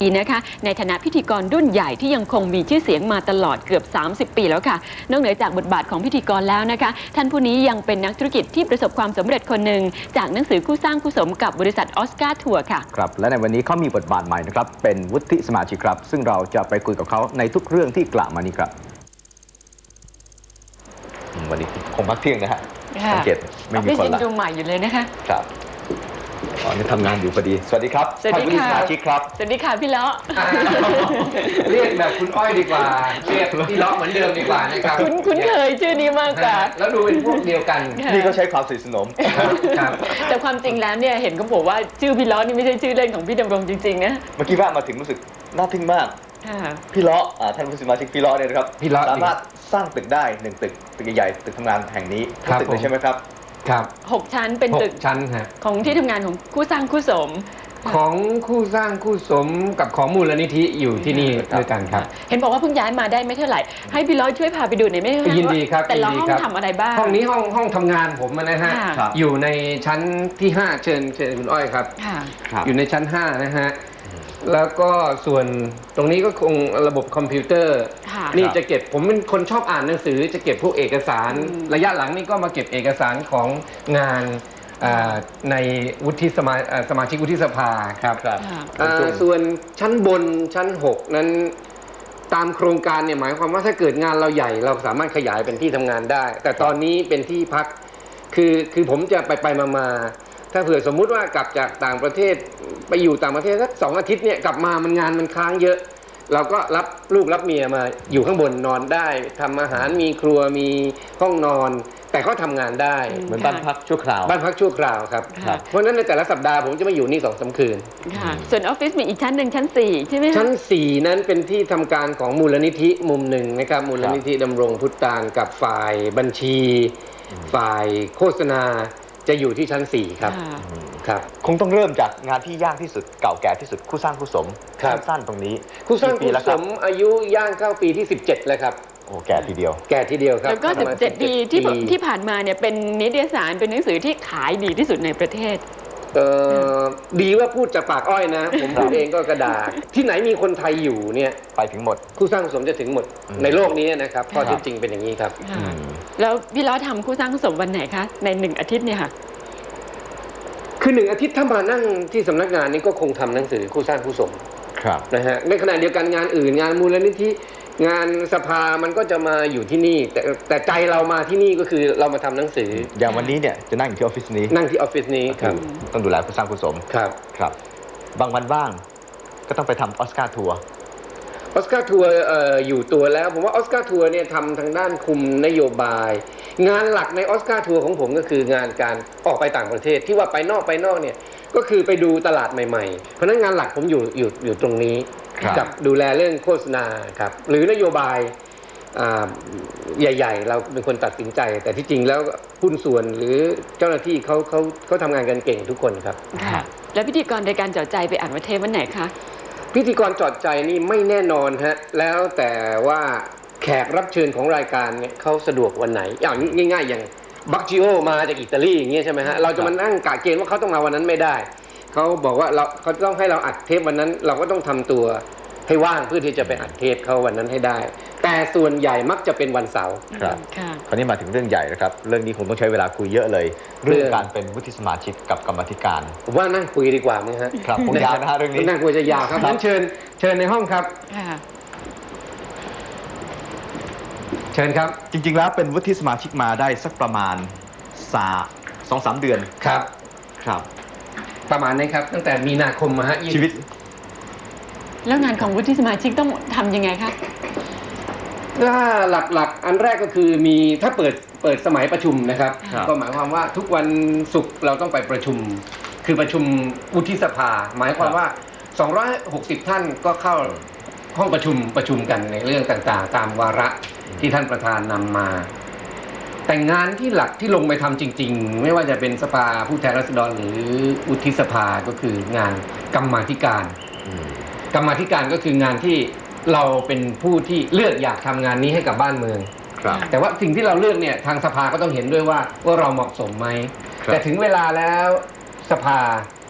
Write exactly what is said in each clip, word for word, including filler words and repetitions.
นะคะในฐานะพิธีกรรุ่นใหญ่ที่ยังคงมีชื่อเสียงมาตลอดเกือบสามสิบปีแล้วค่ะนอกเหนือจากบทบาทของพิธีกรแล้วนะคะท่านผู้นี้ยังเป็นนักธุรกิจที่ประสบความสำเร็จคนหนึ่งจากหนังสือคู่สร้างคู่สมกับบริษัทออสการ์ทัวร์ค่ะครับและในวันนี้เขามีบทบาทใหม่นะครับเป็นวุฒิสมาชิกครับซึ่งเราจะไปคุยกับเขาในทุกเรื่องที่กล่าวมานี้ครับวันนี้คงพักเที่ยงนะฮะสังเกตไม่มีคนละดูใหม่อยู่เลยนะคะครับตอนนี้ทำงานอยู่พอดีสวัสดีครับสวัสดีค่ะสมาชิกครับสวัสดีค่ะพี่เลาะเรียกแบบคุณอ้อยดีกว่าเรียกพี่เลาะเหมือนเดิมดีกว่านะครับคุ้นคุ้นเคยชื่อนี้มากกว่าแล้วดูเป็นพวกเดียวกันนี่ก็ใช้ความสนิทสนมครับแต่ความจริงแล้วเนี่ยเห็นเขาบอกว่าชื่อพี่เลาะนี่ไม่ใช่ชื่อเล่นของพี่ดำรงจริงๆนะเมื่อกี้ว่ามาถึงรู้สึกน่าทึ่งมากพี่เลาะท่านผู้สมาชิกพี่เลาะเนี่ยนะครับสามารถสร้างตึกได้หนึ่งตึกตึกใหญ่ตึกทำงานแห่งนี้ทั้งตึกเลยใช่ไหมครับครับหกชั้นเป็นตึกชั้นฮะของที่ทำงานของคู่สร้างคู่สมของคู่สร้างคู่สมกับของมูลนิธิอยู่ที่นี่ด้วยกันครับเห็นบอกว่าเพิ่งย้ายมาได้ไม่เท่าไหร่ให้พี่ร้อยช่วยพาไปดูหน่อยไหมคะยินดีครับแต่ละห้องทำอะไรบ้างห้องนี้ห้องห้องทำงานผมนะฮะอยู่ในชั้นที่ห้าเชิญเชิญคุณอ้อยครับอยู่ในชั้นห้านะฮะแล้วก็ส่วนตรงนี้ก็คงระบบคอมพิวเตอร์นี่จะเก็บผมเป็นคนชอบอ่านหนังสือจะเก็บพวกเอกสารระยะหลังนี่ก็มาเก็บเอกสารของงานในวุฒิสมาสมาชิกวุฒิสภาครับส่วนชั้นบนชั้นหกนั้นตามโครงการเนี่ยหมายความว่าถ้าเกิดงานเราใหญ่เราสามารถขยายเป็นที่ทำงานได้แต่ตอนนี้เป็นที่พักคือคือผมจะไปไปมามาถ้าเผื่อสมมุติว่ากลับจากต่างประเทศไปอยู่ต่างประเทศสักสองอาทิตย์เนี่ยกลับมามันงานมันค้างเยอะเราก็รับลูกรับเมียมาอยู่ข้างบนนอนได้ทำอาหารมีครัวมีห้องนอนแต่ก็ทำงานได้เหมือนบ้านพักชั่วคราวบ้านพักชั่วคราวครับเพราะฉะนั้นในแต่ละสัปดาห์ผมจะมาอยู่นี่สองสามคืนส่วนออฟฟิศมีอีกชั้นหนึ่งชั้นสี่ใช่ไหมชั้นสี่นั้นเป็นที่ทำการของมูลนิธิมุมหนึ่งนะครับมูลนิธิดำรงพุทธานกับฝ่ายบัญชีฝ่ายโฆษณาจะอยู่ที่ชั้นสี่ครับครับคงต้องเริ่มจากงานที่ยากที่สุดเก่าแก่ที่สุดคู่สร้างคู่สมสั้นตรงนี้คู่สร้างคู่สมอายุย่างเข้าปีที่สิบเจ็ดแล้วครับโอ้แก่ทีเดียวแก่ทีเดียวครับแล้วก็สิบเจ็ดปีที่ที่ผ่านมาเนี่ยเป็นนิตยสารเป็นหนังสือที่ขายดีที่สุดในประเทศเออดีว่าพูดจากปากอ้อยนะผมพูดเองก็กระดาษที่ไหนมีคนไทยอยู่เนี่ยไปถึงหมดคู่สร้างคู่สมจะถึงหมดในโลกนี้นะครับข้อเท็จจริงเป็นอย่างนี้ครับแล้วพี่ล้อทำคู่สร้างคู่สมวันไหนคะในหนึ่งอาทิตย์เนี่ยค่ะคือหนึ่งอาทิตย์ถ้ามานั่งที่สำนักงานนี้ก็คงทำหนังสือคู่สร้างคู่สมนะฮะในขณะเดียวกันงานอื่นงานมูลนิธิงานสภามันก็จะมาอยู่ที่นี่แต่แต่ใจเรามาที่นี่ก็คือเรามาทำหนังสืออย่างวันนี้เนี่ยจะนั่งอยู่ที่ออฟฟิศนี้นั่งที่ออฟฟิศนี้ครับต้องดูแลคู่สร้างคู่สมครับครับบางวันว่างก็ต้องไปทำออสการ์ทัวร์ออสการ์ทัวร์อยู่ตัวแล้วผมว่าออสการ์ทัวร์เนี่ยทำทางด้านคุมนโยบายงานหลักในออสการ์ทัวร์ของผมก็คืองานการออกไปต่างประเทศที่ว่าไปนอกไปนอกเนี่ยก็คือไปดูตลาดใหม่ๆเพราะนั้นงานหลักผมอยู่อยู่อยู่ตรงนี้กับดูแลเรื่องโฆษณาครับหรือนโยบายใหญ่ๆเราเป็นคนตัดสินใจแต่ที่จริงแล้วหุ้นส่วนหรือเจ้าหน้าที่เขาเขาเขาทำงานกันเก่งทุกคนครับแล้วพิธีกรในการจอดใจไปอ่านวันเทปวันไหนคะพิธีกรจอดใจนี่ไม่แน่นอนฮะแล้วแต่ว่าแขกรับเชิญของรายการเนี่ยเขาสะดวกวันไหนอย่างง่ายๆอย่างบัคจิโอมาจากอิตาลีอย่างเงี้ยใช่ไหมฮะเราจะมานั่งกะเกณฑ์ว่าเขาต้องมาวันนั้นไม่ได้เขาบอกว่าเราเขาต้องให้เราอัดเทปวันนั้นเราก็ต้องทำตัวให้ว่างเพื่อที่จะไปอัดเทปเขาวันนั้นให้ได้แต่ส่วนใหญ่มักจะเป็นวันเสาร์ครับคราวนี้มาถึงเรื่องใหญ่นะครับเรื่องนี้คงต้องใช้เวลาคุยเยอะเลยเรื่องการเป็นวุฒิสมาชิกกับกรรมธิการผมว่านั่งคุยดีกว่าไหมฮะครับคงยาวนะฮะเรื่องนี้นั่งคุยจะยาวครับงั้นเชิญเชิญในห้องครับเชิญครับจริงๆแล้วเป็นวุฒิสมาชิกมาได้สักประมาณสาสองสามเดือนครับครับประมาณนี้ครับตั้งแต่มีนาคมมาฮะชีวิตแล้วงานของวุฒิสมาชิกต้องทำยังไงคะถ้าหลักๆอันแรกก็คือมีถ้าเปิดเปิดสมัยประชุมนะครับก็หมายความว่าทุกวันศุกร์เราต้องไปประชุมคือประชุมวุฒิสภาหมายความว่าสองร้อยหกสิบท่านก็เข้าห้องประชุมประชุมกันในเรื่องต่างๆตามวาระที่ท่านประธานนำมาแต่งานที่หลักที่ลงไปทำจริงๆไม่ว่าจะเป็นสภาผู้แทนราษฎรหรือวุฒิสภาก็คืองานกรรมาธิการกรรมาธิการก็คืองานที่เราเป็นผู้ที่เลือกอยากทำงานนี้ให้กับบ้านเมืองแต่ว่าสิ่งที่เราเลือกเนี่ยทางสภาก็ต้องเห็นด้วยว่าว่าเราเหมาะสมไหมแต่ถึงเวลาแล้วสภา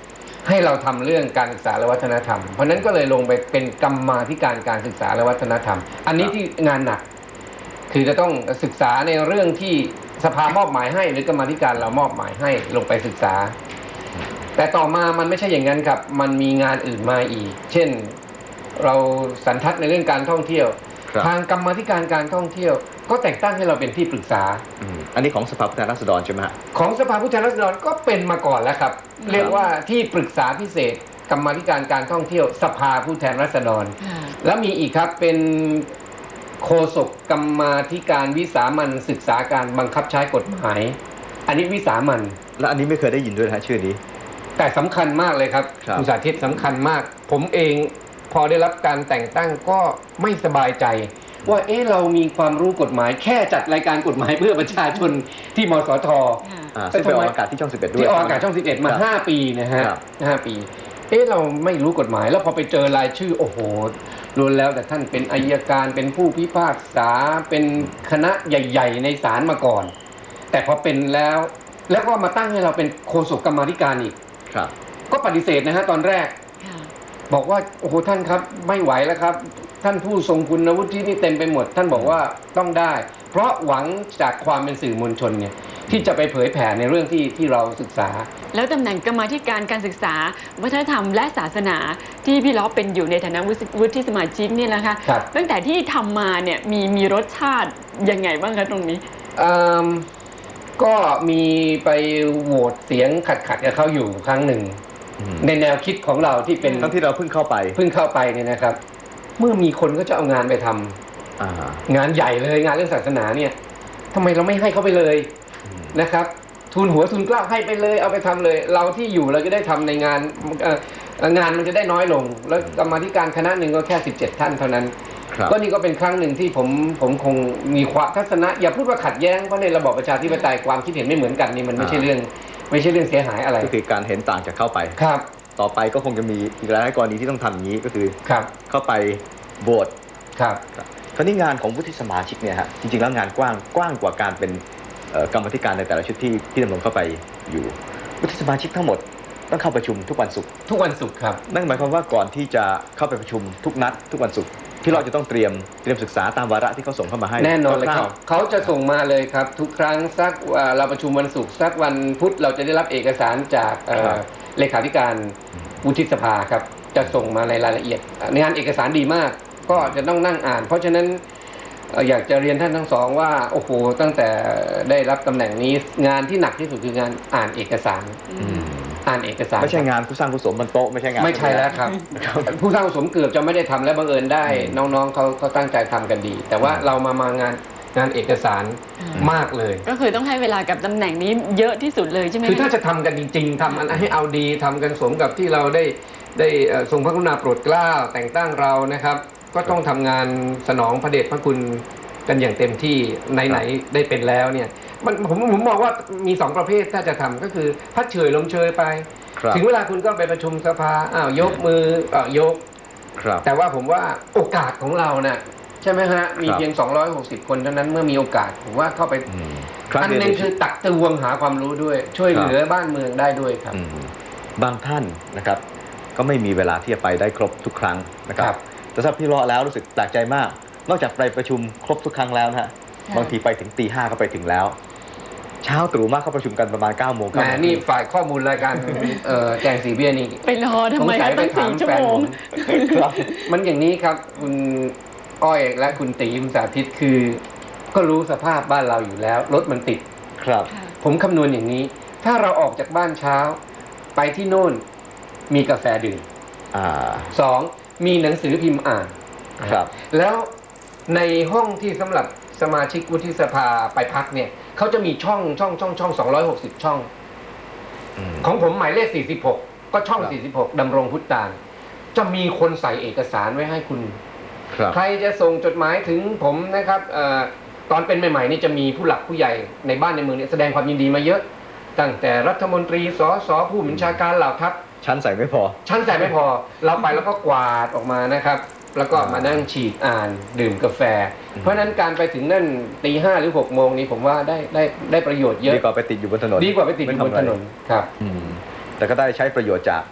ให้เราทำเรื่องการศึกษาและวัฒนธรรมเพราะนั้นก็เลยลงไปเป็นกรรมาธิการการศึกษาและวัฒนธรรม อันนี้ที่งานหนักคือจะต้องศึกษาในเรื่องที่สภามอบหมายให้หรือกรรมาธิการเรามอบหมายให้ลงไปศึกษาแต่ต่อมามันไม่ใช่อย่างนั้นครับมันมีงานอื่นมาอีกเช่นเราสันทัดในเรื่องการท่องเที่ยวทางกรรมาธิการการท่องเที่ยวก็แต่งตั้งให้เราเป็นที่ปรึกษาอันนี้ของสภาผู้แทนราษฎรใช่ไหมฮะของสภาผู้แทนราษฎรก็เป็นมาก่อนแล้วครับเรียกว่าที่ปรึกษาพิเศษกรรมาธิการการท่องเที่ยวสภาผู้แทนราษฎรแล้วมีอีกครับเป็นโฆษกกรรมาธิการวิสามัญศึกษาการบังคับใช้กฎหมายอันนี้วิสามัญและอันนี้ไม่เคยได้ยินด้วยนะชื่อนี้แต่สำคัญมากเลยครับคุณสาธิตสำคัญมากผมเองพอได้รับการแต่งตั้งก็ไม่สบายใจว่าเอ๊ะเรามีความรู้กฎหมายแค่จัดรายการกฎหมายเพื่อประชาชนที่มสทซึ่งไปออกอากาศที่ช่องสิบเอ็ดด้วยที่ออกอากาศช่องสิบเอ็ดมาห้าปีนะฮะห้าปีเอ๊ะเราไม่รู้กฎหมายแล้วพอไปเจอรายชื่อโอ้โหล้วนแล้วแต่ท่านเป็นอัยการเป็นผู้พิพากษาเป็นคณะใหญ่ๆในศาลมาก่อนแต่พอเป็นแล้วแล้วก็มาตั้งให้เราเป็นโฆษกกรรมาธิการอีกก็ปฏิเสธนะฮะตอนแรกบอกว่าโอ้โหท่านครับไม่ไหวแล้วครับท่านผู้ทรงคุณวุฒินี่เต็มไปหมดท่านบอกว่าต้องได้เพราะหวังจากความเป็นสื่อมวลชนเนี่ยที่จะไปเผยแผ่ในเรื่องที่ที่เราศึกษาแล้วตำแหน่งกรรมาธิการการศึกษาวัฒนธรรมและศาสนาที่พี่ล้อเป็นอยู่ในฐานะวุฒิสมาชิกนี่แหละค่ะตั้งแต่ที่ทำมาเนี่ยมีมีรสชาติยังไงบ้างคะตรงนี้ก็มีไปโหวตเสียงขัดขัดกับเขาอยู่ครั้งหนึ่งในแนวคิดของเราที่เป็นทั้งที่เราเพิ่งเข้าไปเพิ่งเข้าไปเนี่ยนะครับเมื่อมีคนก็จะเอางานไปทำงานใหญ่เลยงานเรื่องศาสนาเนี่ยทำไมเราไม่ให้เขาไปเลยนะครับทุนหัวทุนกล้าให้ไปเลยเอาไปทำเลยเราที่อยู่เราจะได้ทำในงานงานมันจะได้น้อยลงแล้วกรรมาธิการคณะหนึ่งก็แค่สิบเจ็ดท่านเท่านั้นก็นี่ก็เป็นครั้งหนึ่งที่ผมผมคงมีความทัศนะอย่าพูดว่าขัดแย้งเพราะในระบอบประชาธิปไตยความคิดเห็นไม่เหมือนกันนี่มันไม่ใช่เรื่องไม่ใช่เรื่องเสียหายอะไรก็คือการเห็นต่างจากเข้าไปครับต่อไปก็คงจะมีอีกหลายกรณีที่ต้องทำอย่างนี้ก็คือเข้าไปโหวตครับคราวนี้งานของวุฒิสมาชิกเนี่ยฮะจริงๆแล้วงานกว้างกว้างกว่าการเป็นกรรมธิการในแต่ละชุดที่ที่ดำรงเข้าไปอยู่วุฒิสมาชิกทั้งหมดต้องเข้าประชุมทุกวันศุกร์ทุกวันศุกร์ครับนั่นหมายความว่าก่อนที่จะเข้าไปประชุมทุกนัดทุกวันศุกร์ที่เราจะต้องเตรียมเตรียมศึกษาตามวาระที่เขาส่งเข้ามาให้แน่นอนเลยครับเขาจะส่งมาเลยครับทุกครั้งสักเราประชุมวันศุกร์สักวันพุธเราจะได้รับเอกสารจากเลขาธิการวุฒิสภาครับจะส่งมาในรายละเอียดงานเอกสารดีมากก็จะต้องนั่งอ่านเพราะฉะนั้นอยากจะเรียนท่านทั้งสองว่าโอ้โหตั้งแต่ได้รับตำแหน่งนี้งานที่หนักที่สุดคืองานอ่านเอกสารอ่านเอกสารไม่ใช่งานผู้สร้างผู้สมบนโต๊ะไม่ใช่งานไม่ใช่แล้วครับผู้สร้างผู้สมเกือบจะไม่ได้ทำและบังเอิญได้น้องๆเขาเขาตั้งใจทำกันดีแต่ว่าเรามามางานงานเอกสารมากเลยก็คือต้องให้เวลากับตำแหน่งนี้เยอะที่สุดเลยใช่ไหมคือถ้าจะทำกันจริงๆทำให้เอาดีทำกันสมกับที่เราได้ได้ทรงพระกรุณาโปรดเกล้าแต่งตั้งเรานะครับก็ต้องทำงานสนองพระเดชพระคุณกันอย่างเต็มที่ไหนๆได้เป็นแล้วเนี่ยมันผมผมมองว่ามีสองประเภทถ้าจะทำก็คือพัดเฉยลมเชยไปถึงเวลาคุณก็ไปประชุมสภาอ้าวยกมืออ้าวยกแต่ว่าผมว่าโอกาสของเราเนี่ยใช่ไหมฮะมีเพียงสองร้อยหกสิบคนเท่านั้นเมื่อมีโอกาสผมว่าเข้าไปอันนึงคือตักตวงหาความรู้ด้วยช่วยเหลือบ้านเมืองได้ด้วยครับบางท่านนะครับก็ไม่มีเวลาที่จะไปได้ครบทุกครั้งนะครับแต่ถ้าพี่เลาะแล้วรู้สึกแปลกใจมากนอกจากไปประชุมครบทุกครั้งแล้วนะฮะบางทีไปถึงตีห้าก็ไปถึงแล้วเช้าตรู่มากเขาประชุมกันประมาณเก้าโมงครับนี่ฝ่ายข้อมูลรายการแจงสีเบี้ยนี่ไปรอทำไมตั้งสี่ชั่วโมงมันอย่างนี้ครับคุณอ้อยและคุณตีมสาธิตคือก็รู้สภาพบ้านเราอยู่แล้วรถมันติดครับผมคำนวณอย่างนี้ถ้าเราออกจากบ้านเช้าไปที่โน่นมีกาแฟดื่มสองมีหนังสือพิมพ์อ่านครับแล้วในห้องที่สำหรับสมาชิกวุฒิสภาไปพักเนี่ยเขาจะมีช่องช่องช่องช่องสองร้อยหกสิบช่องของผมหมายเลขสี่สิบหกก็ช่องสี่สิบหกดำรงพุทธานจะมีคนใส่เอกสารไว้ให้คุณใครจะส่งจดหมายถึงผมนะครับตอนเป็นใหม่ๆนี่จะมีผู้หลักผู้ใหญ่ในบ้านในเมืองเนี่ยแสดงความยินดีมาเยอะตั้งแต่รัฐมนตรีสสผู้บัญชาการเหล่าทัพชั้นใส่ไม่พอชั้นใส่ไม่พอเราไปแล้วก็กวาดออกมานะครับแล้วก็มานั่งฉีดอ่านดื่มกาแฟเพราะนั้นการไปถึงนั่นตีห้าหรือหกโมงนี้ผมว่าได้ได้ได้ประโยชน์เยอะดีกว่าไปติดอยู่บนถนนดีกว่าไปติดอยู่บนถนนครับแต่ก็ได้ใช้ประโยชน์จาก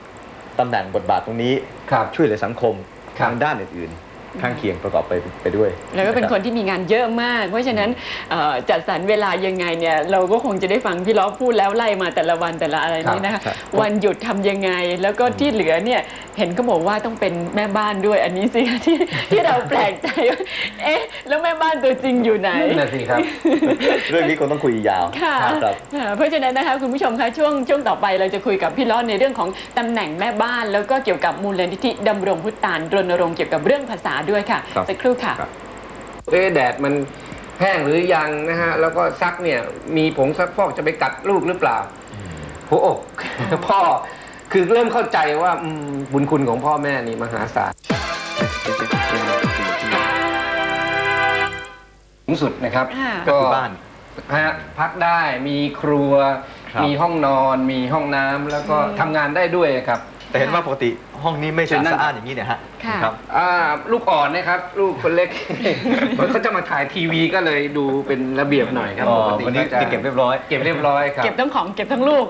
ตำแหน่งบทบาทตรงนี้ช่วยเหลือสังคมทางด้านอื่นๆข้างเคียงประกอบไปไปด้วยแล้วก็เป็นคนที่มีงานเยอะมากเพราะฉะนั้นจัดสรรเวลายังไงเนี่ยเราก็คงจะได้ฟังพี่ล้อพูดแล้วไล่มาแต่ละวันแต่ละอะไรนี้นะคะวันหยุดทำยังไงแล้วก็ที่เหลือเนี่ยเห็นเขาบอกว่าต้องเป็นแม่บ้านด้วยอันนี้สิที่ที่เราแปลกใจว่าเอ๊ะแล้วแม่บ้านตัวจริงอยู่ไหนนั่นสิครับเรื่องนี้คงต้องคุยยาวค่ะเพราะฉะนั้นนะคะคุณผู้ชมคะช่วงช่วงต่อไปเราจะคุยกับพี่ล้อในเรื่องของตำแหน่งแม่บ้านแล้วก็เกี่ยวกับมูลนิธิดำรงพุทธานรณรงค์เกี่ยวกับเรื่องภาษาด้วยค่ะสักครู่ค่ะเอ๊ะแดดมันแห้งหรือยังนะฮะแล้วก็ซักเนี่ยมีผงซักฟอกจะไปกัดลูกหรือเปล่าหัวอกพ่อคือเริ่มเข้าใจว่าบุญคุณของพ่อแม่นี่มหาศาลสูงสุดนะครับก็บ้านพักได้มีครัวมีห้องนอนมีห้องน้ำแล้วก็ทำงานได้ด้วยครับแต่เห็นว่าปกติห้องนี้ไม่สะอาดอย่างนี้เนี่ยฮะครับลูกอ่อนนะครับลูกคนเล็กเขาจะมาถ่ายทีวีก็เลยดูเป็นระเบียบหน่อยครับปกติวันนี้จะเก็บเรียบร้อยเก็บเรียบร้อยครับเก็บทั้งของเก็บทั้งลูก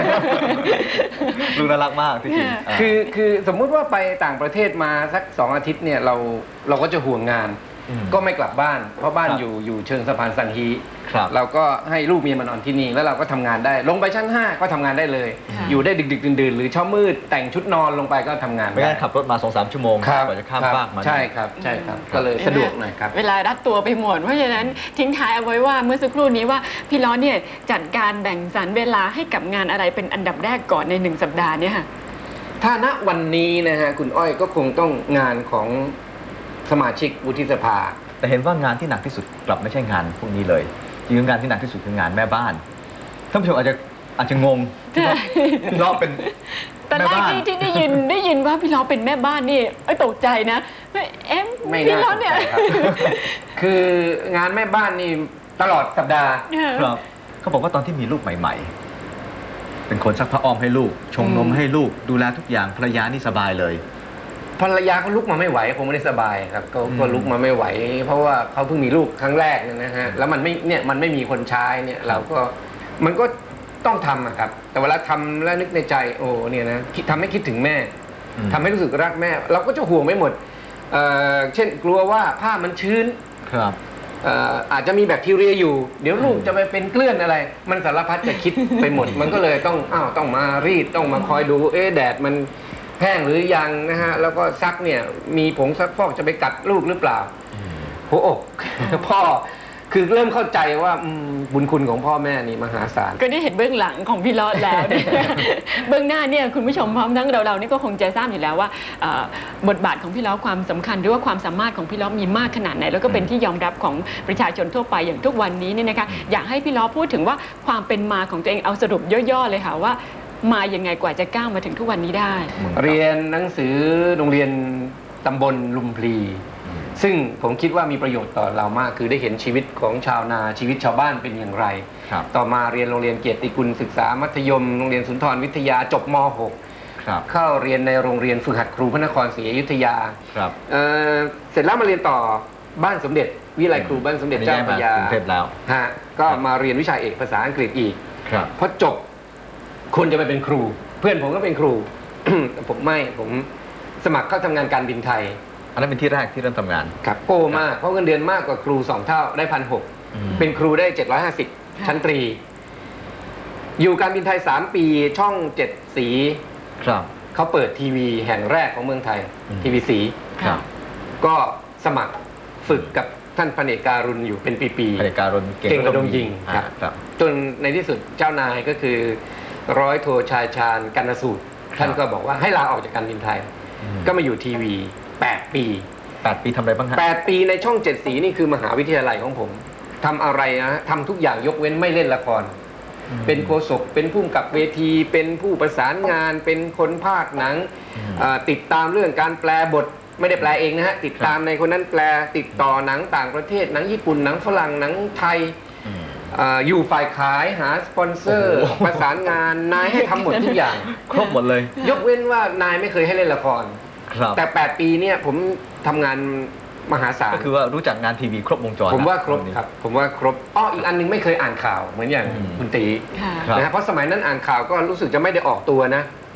ลูกน่ารักมากที่จริงคือคือสมมุติว่าไปต่างประเทศมาสักสองอาทิตย์เนี่ยเราเราก็จะห่วงงานก็ไม่กลับบ้านเพราะบ้านอยู่อยู่เชิงสะพานสังฮีเราก็ให้ลูกเมียมานอนที่นี่แล้วเราก็ทำงานได้ลงไปชั้นห้าก็ทำงานได้เลยอยู่ได้ดึกๆดื่นๆหรือเช้ามืดแต่งชุดนอนลงไปก็ทำงานไม่ได้ขับรถมา สองสาม ชั่วโมงกว่าจะข้ามฟากมาใช่ครับใช่ครับก็เลยสะดวกหน่อยครับเวลารัดตัวไปหมดเพราะฉะนั้นทิ้งท้ายเอาไว้ว่าเมื่อสักครู่นี้ว่าพี่ล้อเนี่ยจัดการแบ่งสรรเวลาให้กับงานอะไรเป็นอันดับแรกก่อนในหนึ่งสัปดาห์เนี่ยค่ะถ้าณวันนี้นะฮะคุณอ้อยก็คงต้องงานของสมาชิกวุฒิสภาแต่เห็นว่างานที่หนักที่สุดกลับไม่ใช่งานพวกนี้เลยจริงๆงานที่หนักที่สุดคืองานแม่บ้านท่านผู้ชมอาจจะอาจจะงงพี่ล้อเป็นตอนแรกที่ได้ยินได้ยินว่าพี่ล้อเป็นแม่บ้านนี่ไอ้ตกใจนะเอ๊ะพี่ล้อเนี่ยคืองานแม่บ้านนี่ตลอดสัปดาห์ครับเขาบอกว่าตอนที่มีลูกใหม่ๆเป็นคนซักผ้าอ้อมให้ลูกชงนมให้ลูกดูแลทุกอย่างภรรยานี่สบายเลยภรรยาเขาลุกมาไม่ไหวคงไม่ได้สบายครับก็ลุกมาไม่ไหวเพราะว่าเขาเพิ่งมีลูกครั้งแรกนะฮะแล้วมันไม่เนี่ยมันไม่มีคนใช้เนี่ยเราก็มันก็ต้องทำครับแต่เวลาทำแล้วนึกในใจโอ้เนี่ยนะทำให้คิดถึงแม่ทำให้รู้สึกรักแม่เราก็จะห่วงไม่หมดเช่นกลัวว่าผ้ามันชื้นครับอาจจะมีแบคทีเรียอยู่เดี๋ยวลูกจะไปเป็นเกลื่อนอะไรมันสารพัดจะคิดไปหมดมันก็เลยต้องอ้าวต้องมารีดต้องมาคอยดูเอ๊ะแดดมันแห้งหรือยังนะฮะแล้วก็ซักเนี่ยมีผงซักฟอกจะไปกัดลูกหรือเปล่าหัวอกพ่อคือเริ่มเข้าใจว่าบุญคุณของพ่อแม่นี่มหาศาลก็ได้เห็นเบื้องหลังของพี่ล้อแล้วเบื้องหน้าเนี่ยคุณผู้ชมพร้อมทั้งเราเรานี่ก็คงจะทราบอยู่แล้วว่าบทบาทของพี่ล้อความสำคัญหรือว่าความสามารถของพี่ล้อมีมากขนาดไหนแล้วก็เป็นที่ยอมรับของประชาชนทั่วไปอย่างทุกวันนี้เนี่ยนะคะอยากให้พี่ล้อพูดถึงว่าความเป็นมาของตัวเองเอาสรุปย่อๆเลยค่ะว่ามายังไงกว่าจะก้าวมาถึงทุกวันนี้ได้เรียนหนังสือโรงเรียนตำบลลุมพลีซึ่งผมคิดว่ามีประโยชน์ต่อเรามากคือได้เห็นชีวิตของชาวนาชีวิตชาวบ้านเป็นอย่างไรต่อมาเรียนโรงเรียนเกียรติกุลศึกษามัธยมโรงเรียนสุนทรวิทยาจบม หก เข้าเรียนในโรงเรียนฝึกหัดครูพระนครศรีอยุธยาเ, เสร็จแล้วมาเรียนต่อบ้านสมเด็จวิไลครูบ้านสมเด็จเจ้าพระยาฮะก็มาเรียนวิชาเอกภาษาอังกฤษอีกพอจบคนจะไปเป็นครูเพื่อนผมก็เป็นครู ผมไม่ผมสมัครเข้าทำงานการบินไทยอันนั้นเป็นที่แรกที่เริ่มทำงานครับโก้มากเพราะเงินเดือนมากกว่าครูสองเท่าได้พันหกเป็นครูได้เจ็ดร้อยห้าสิบชั้นตรีอยู่การบินไทยสามปีช่องเจ็ดสีครับเขาเปิดทีวีแห่งแรกของเมืองไทยทีวีสีครับก็สมัครฝึกกับท่านพระเนกการุณอยู่เป็นปีๆพระเนกการุณเก่งระดมยิงครับจนในที่สุดเจ้านายก็คือร้อยโทชายชาญกรรณสูตรท่านก็บอกว่าให้ลาออกจากการบินไทยก็มาอยู่ทีวีแปดปีแปดปีทำอะไรบ้างฮะแปดปีในช่องเจ็ดสีนี่คือมหาวิทยาลัยของผมทำอะไรนะทำทุกอย่างยกเว้นไม่เล่นละครเป็นโฆษกเป็นผู้กำกับเวทีเป็นผู้ประสานงานเป็นคนพากย์หนังติดตามเรื่องการแปลบทไม่ได้แปลเองนะฮะติดตามในคนนั้นแปลติดต่อหนังต่างประเทศหนังญี่ปุ่นหนังฝรั่งหนังไทยอยู่ฝ่ายขายหาสปอนเซอร์ประสานงานนายให้ทำหมดทุกอย่างครบหมดเลยยกเว้นว่านายไม่เคยให้เล่นละครแต่แปดปีเนี่ยผมทำงานมหาศาลก็คือว่ารู้จักงานทีวีครบวงจรผมว่าครบครับผมว่าครบอ้ออีกอันนึงไม่เคยอ่านข่าวเหมือนอย่างคุณตีนะเพราะสมัยนั้นอ่านข่าวก็รู้สึกจะไม่ได้ออกตัวนะ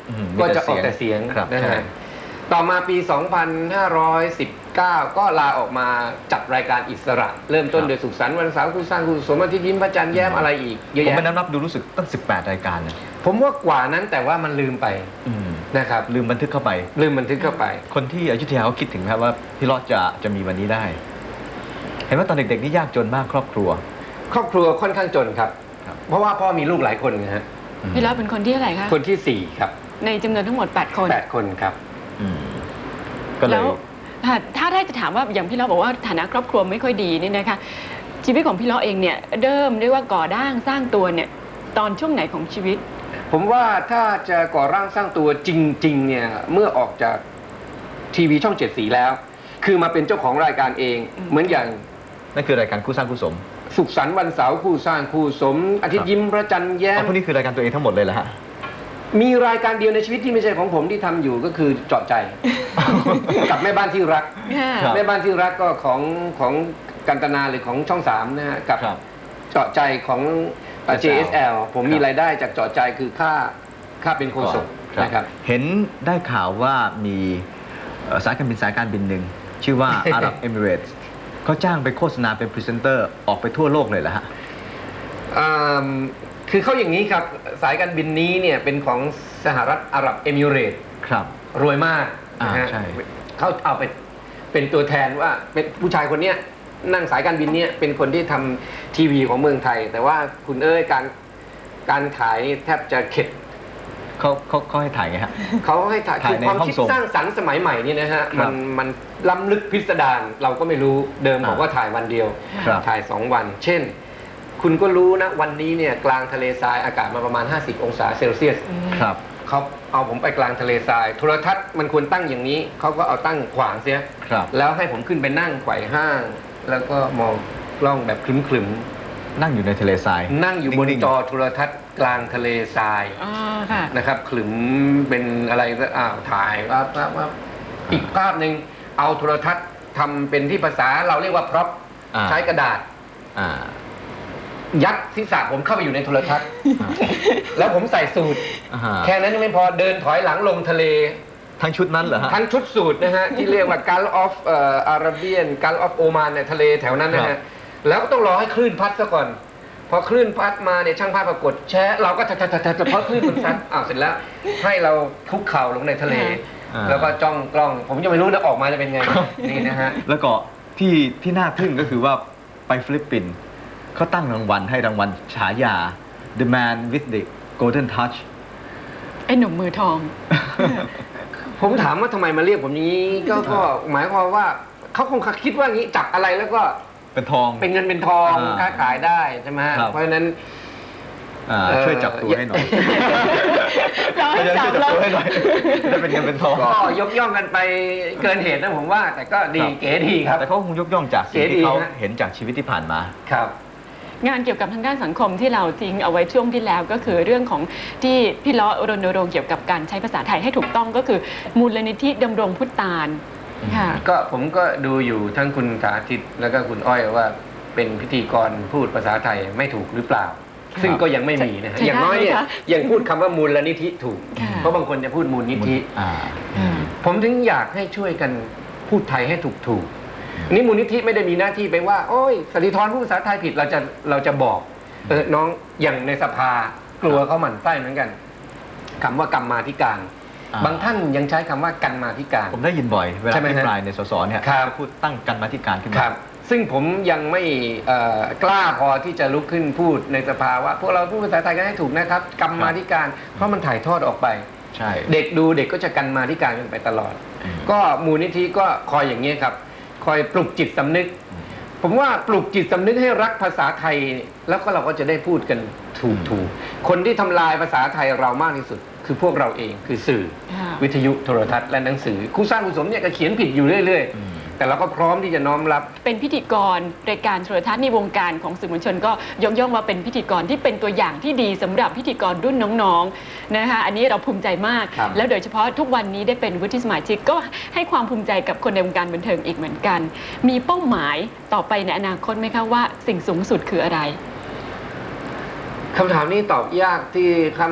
อืมก็จะออกแต่เสียงครับนะใช่ฮะต่อมาปี สองพันห้าร้อยสิบเก้า ก็ลาออกมาจัดรายการอิสระ เริ่มต้นโดยสุขสันต์วันเสาร์คู่สร้างคู่สมอาทิตย์ยิ้มพระจันทร์แย้มอะไรอีกเยอะผมแยะไปนับนับดูรู้สึกตั้งสิบแปดรายการนะผมว่ากว่านั้นแต่ว่ามันลืมไปอืมนะครับลืมบันทึกเข้าไปลืมบันทึกเข้าไปคนที่อยุธยาเขาคิดถึงครับว่าพี่รอดจะจะมีวันนี้ได้ เห็นว่าตอนเด็กๆนี่ยากจนมากครอบครัวครอบครัวค่อนข้างจนครับครับเพราะว่าพ่อมีลูกหลายคนนะฮะพี่รอดเป็นคนที่เท่าไหร่คะคนที่สี่ครับในจำนวนทั้งหมดแปดคนแปดคนครับอืมก็เลแล้ยวถ้าถ้าได้จะถามว่าอย่างพี่ล้อบอกว่าฐานะครอบครัวไม่ค่อยดีนี่นะคะชีวิตของพี่ล้อเองเนี่ยเริ่มเรียกว่าก่อร่างสร้างตัวเนี่ยตอนช่วงไหนของชีวิตผมว่าถ้าจะก่อร่างสร้างตัวจริงๆเนี่ยเมื่อออกจากทีวีช่องเจ็ดสีแล้ว คือมาเป็นเจ้าของรายการเองอืมเหมือนอย่างนั่นคือรายการคู่สร้างคู่สมสุขสันต์วันเสาร์คู่สร้างคู่สม อาทิตย์ยิ้มพระจันทร์แย้อ๋อมพวกนี้คือรายการตัวเองทั้งหมดเลยเหรอฮะมีรายการเดียวในชีวิตที่ไม่ใช่ของผมที่ทำอยู่ก็คือเจาะใจ กับแม่บ้านที่รักครับแม่บ้านที่รักก็ของของกันตนาหรือของช่องสามนะฮะกับครับเจาะใจของเอ่อ เจ เอส แอล ผมมีรายได้จากเจาะใจคือค่าค่าเป็นโฆษกนะครับเห็นได้ข่าวว่ามีเอ่อสายการบินสายการบินหนึ่งชื่อว่า อาหรับเอมิเรตส์เขาจ้างไปโฆษณาเป็นพรีเซนเตอร์ออกไปทั่วโลกเลยเหรอฮะอ่าคือเขาอย่างนี้ครับ สายการบินนี้เนี่ยเป็นของสหรัฐอาหรับเอมิเรตส์ครับรวยมากนะฮะอ่าใช่เขาเอาไปเป็นตัวแทนว่าเป็นผู้ชายคนเนี้ยนั่งสายการบินเนี้ยเป็นคนที่ทำทีวีของเมืองไทย แต่ว่าคุณเอ้ยการการขายนี่แทบจะเข็ดเขาเขาเขาให้ถ่ายไงฮะเขาให้ถ่ายถ่ายคือในความห้องคิดส่งสร้างสรรค์สมัยใหม่นี่นะฮะครัมับนมันล้ำลึกพิสดารเราก็ไม่รู้เดิมอ่าบอกว่าถ่ายวันเดียวครับถ่ายสองวัน เช่น คุณก็รู้นะวันนี้เนี่ยกลางทะเลทรายอากาศมาประมาณ ห้าสิบ องศาเซลเซียสครับเขาเอาผมไปกลางทะเลทรายโทรทัศน์มันควรตั้งอย่างนี้เขาก็เอาตั้งขวางเสียครับแล้วให้ผมขึ้นไปนั่งไขว่ห้าง แล้วก็มองกล้องแบบคลึมนั่งอยู่ในทะเลทรายๆนั่งอยู่บนนิ่งๆจอโทรทัศน์กลางทะเลทรายอ๋อค่ะนะครับขลึมเป็นอะไรก็อ้าวถ่ายว่าว่าว่าอีกภาพหนึ่งเอาโทรทัศน์ทำเป็นที่ภาษาเราเรียกว่าพร็อพอ่าใช้กระดาษอ่ายัดศีรษะผมเข้าไปอยู่ในโทรทัศน์ แล้วผมใส่สูทอ่าฮะแค่นั้นยังไม่พอเดินถอยหลังลงทะเลทั้งชุดนั้นเหรอฮะทั้งชุดสูทนะฮะ ที่เรียกว่า Gulf of เอ่อ Arabian Gulf of Oman ในทะเลแถวนั้นนะครัฮะบแล้วก็ต้องรอให้คลื่นพัดซะก่อน พอคลื่นพัดมาเนี่ยช่างภาพปรากฏแชะเราก็ทัดทัดทัดทัดเพราะคลื่นมันซัดอ้าวเสร็จแล้ว ให้เราคุกเข่าลงในทะเลอ่าแล้วก็จ้องกล้อง ผมยังไม่รู้นะออกมาจะเป็นไง นี่นะฮะแล้วก็ที่ที่น่าทึ่งก็คือว่าไปฟิลิปปินส์เขาตั้งรางวัลให้รางวัลฉายา The Man with the Golden Touch ไอ้หนุ่มมือทองผมถามว่าทำไมมาเรียกผมอย่างนี้ก็ก็หมายความว่าเขาคงคิดว่างี้จับอะไรแล้วก็เป็นทองเป็นเงินเป็นทองอ่าค้าขายได้ใช่ไหมฮะครับเพราะฉะนั้นอ่าเอ่อช่วยจับตัวให้หน่อยเราให้ช่วยจัจับบ แล้วตัวให้หน่อยจะเป็นเงินเป็นทองก็ยกย่องกันไปเกินเหตุนะผมว่า แต่ก็ดีครับเก๋ดีครับแต่เขาคงยกย่องจากสิ่งเก๋ดีที่เขาฮะเห็นจากชีวิตที่ผ่านมาครับงานเกี่ยวกับทางด้านสังคมที่เราทิ้งเอาไว้ช่วงที่แล้วก็คือเรื่องของที่พี่ล้อรณรงค์เกี่ยวกับการใช้ภาษาไทยให้ถูกต้องก็คือมูลนิธิดำรงพุทธานค่ะก็ผมก็ดูอยู่ทั้งคุณสาธิตแล้วก็คุณอ้อยว่าเป็นพิธีกรพูดภาษาไทยไม่ถูกหรือเปล่าครับซึ่งก็ยังไม่มีนะฮะใช่อย่างน้อยเนี่ยได้ไหมคะยังพูดคำว่ามูลนิธิถูกค่ะเพราะบางคนจะพูดมูลนิธิอ่าอืมผมถึงอยากให้ช่วยกันพูดไทยให้ถูกถูกๆนี่มูลนิธิไม่ได้มีหน้าที่ไปว่า โอ้ยสติธรพูดภาษาไทยผิดเราจะเราจะบอกเออน้องอย่างในสภากลัวเขาหมั่นไส้เหมือนกันคำว่ากรรมาธิการอ่าบางท่านยังใช้คำว่ากันมาธิการผมได้ยินบ่อย เวลาใช่ไหมที่ฮะปลายในสสเนี่ยครับพูดตั้งกันมาธิการขึ้นคมารับ ซึ่งผมยังไม่เอ่อกล้าพอที่จะลุกขึ้นพูดในสภาว่าพวกเราพูดภาษาไทยกันให้ถูกนะครับกรรมาธิการ เพราะมันถ่ายทอดออกไปใช่เด็กดูเด็กก็จะกันมาธิการกันไปตลอดอืมก็มูลนิธิก็คอยอย่างนี้ยครับ คอยปลุกจิตสำนึก ผมว่าปลุกจิตสำนึกให้รักภาษาไทย แล้วก็เราก็จะได้พูดกันถูกถูกคนที่ทำลายภาษาไทยเรามากที่สุด คือพวกเราเองคือสื่อค่ะวิทยุโทรทัศน์และหนังสือครูสร้างครูสมเนี่ยก็เขียนผิดอยู่เรื่อยอืมๆ แต่เราก็พร้อมที่จะน้อมรับเป็นพิธีกรรายการโทรทัศน์ในวงการของสื่อมวลชนก็ยกย่องว่าเป็นพิธีกรที่เป็นตัวอย่างที่ดีสำหรับพิธีกรรุ่นน้องๆนะคะอันนี้เราภูมิใจมากครับแล้วโดยเฉพาะทุกวันนี้ได้เป็นวุฒิสมาชิกก็ให้ความภูมิใจกับคนในวงการบันเทิงอีกเหมือนกัน มีเป้าหมายต่อไปในอนาคตไหมคะว่าสิ่งสูงสุดคืออะไรคำถามนี้ตอบยากที่คำ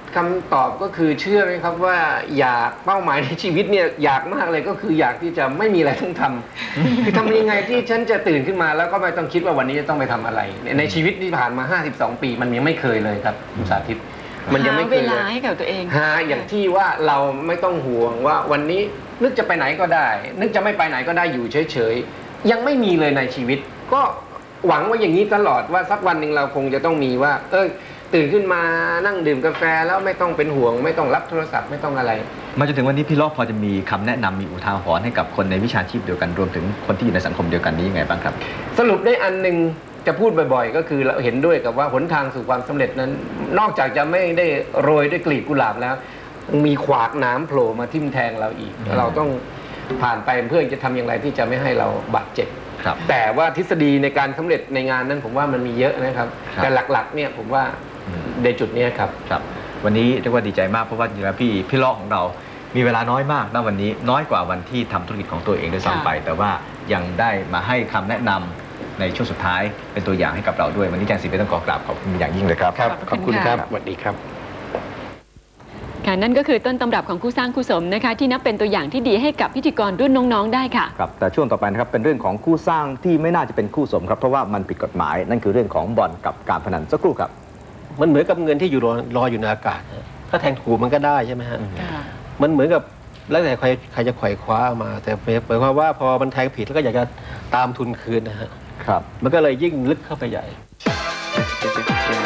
คำตอบก็คือเชื่อไหมครับว่าอยากเป้าหมายในชีวิตเนี่ยอยากมากเลยก็คืออยากที่จะไม่มีอะไรต้องทำ คือทำยังไงที่ฉันจะตื่นขึ้นมาแล้วก็ไม่ต้องคิดว่าวันนี้จะต้องไปทำอะไร ในชีวิตที่ผ่านมาห้าสิบสองปีมันยังไม่เคยเลยครับคุณสาธิตมันยังไม่เคหาย เวเลลาย ให้กับตัวเองหาอย่างที่ว่าเราไม่ต้องห่วงว่าวันนี้นึกจะไปไหนก็ได้ นึกจะไม่ไปไหนก็ได้อยู่เฉยๆยังไม่มีเลยในชีวิต ก็หวังว่าอย่างนี้ตลอดว่าสักวันหนึ่งเราคงจะต้องมีว่า เออตื่นขึ้นมานั่งดื่มกาแฟแล้วไม่ต้องเป็นห่วง ไม่ต้องรับโทรศัพท์ไม่ต้องอะไรมาจนถึงวันนี้พี่เลาะพอจะมีคำแนะนำมีอุทาหรณ์ให้กับคนในวิชาชีพเดียวกันรวมถึงคนที่อยู่ในสังคมเดียวกันนี้ยังไงบ้างครับสรุปได้อันหนึ่งจะพูดบ่อยๆ ก็คือเราเห็นด้วยกับว่าหนทางสู่ความสำเร็จนั้น นอกจากจะไม่ได้โรยด้วยกลีบกุหลาบแล้ว มีขวากหน้ำโผล่มาทิ่มแทงเราอีก เราต้องผ่านไปเพื่อจะทำอย่างไรที่จะไม่ให้เราบาดเจ็บครับแต่ว่าทฤษฎีในการสำเร็จในงานนั้นผมว่ามันมีเยอะนะครับครับแต่หลักๆเนี่ยผมว่าในจุดนี้ครับครับวันนี้เรียกว่าดีใจมากเพราะว่าจริงๆแล้วพี่พี่เลาะของเรา มีเวลาน้อยมากณวันนี้น้อยกว่าวันที่ทำธุรกิจของตัวเองด้วยซ้ำไป แต่ว่ายังได้มาให้คำแนะนำในช่วงสุดท้ายเป็นตัวอย่างให้กับเราด้วยวันนี้อาจารย์ศรีเป็นต้องขอกราบขอบคุณอย่างยิ่งเลยครับครับขขออบบ คุคุณ ณคครัรับ บสวัสดีครับค่ะนั่นก็คือต้นตำรับของคู่สร้างคู่สมนะคะที่นับเป็นตัวอย่างที่ดีให้กับพิธีกรรุ่นน้องๆได้ค่ะครับแต่ช่วงต่อไปนะครับเป็นเรื่องของคู่สร้างที่ไม่น่าจะเป็นคู่สมครับเพราะว่ามันผิดกฎหมายนั่นคือเรื่องของบ่อนกับการพนันสักครู่ครับมันเหมือนกับเงินที่อยู่รอรออยู่ในอากาศฮะถ้าแทงถูกมันก็ได้ใช่ไหมฮะ มันเหมือนกับแล้วแต่ใครใครจะไขว่คว้ามา แต่หมายความว่าพอมันแทงผิดแล้วก็อยากจะตามทุนคืนนะฮะครับมันก็เลยยิ่งลึกเข้าไปใหญ่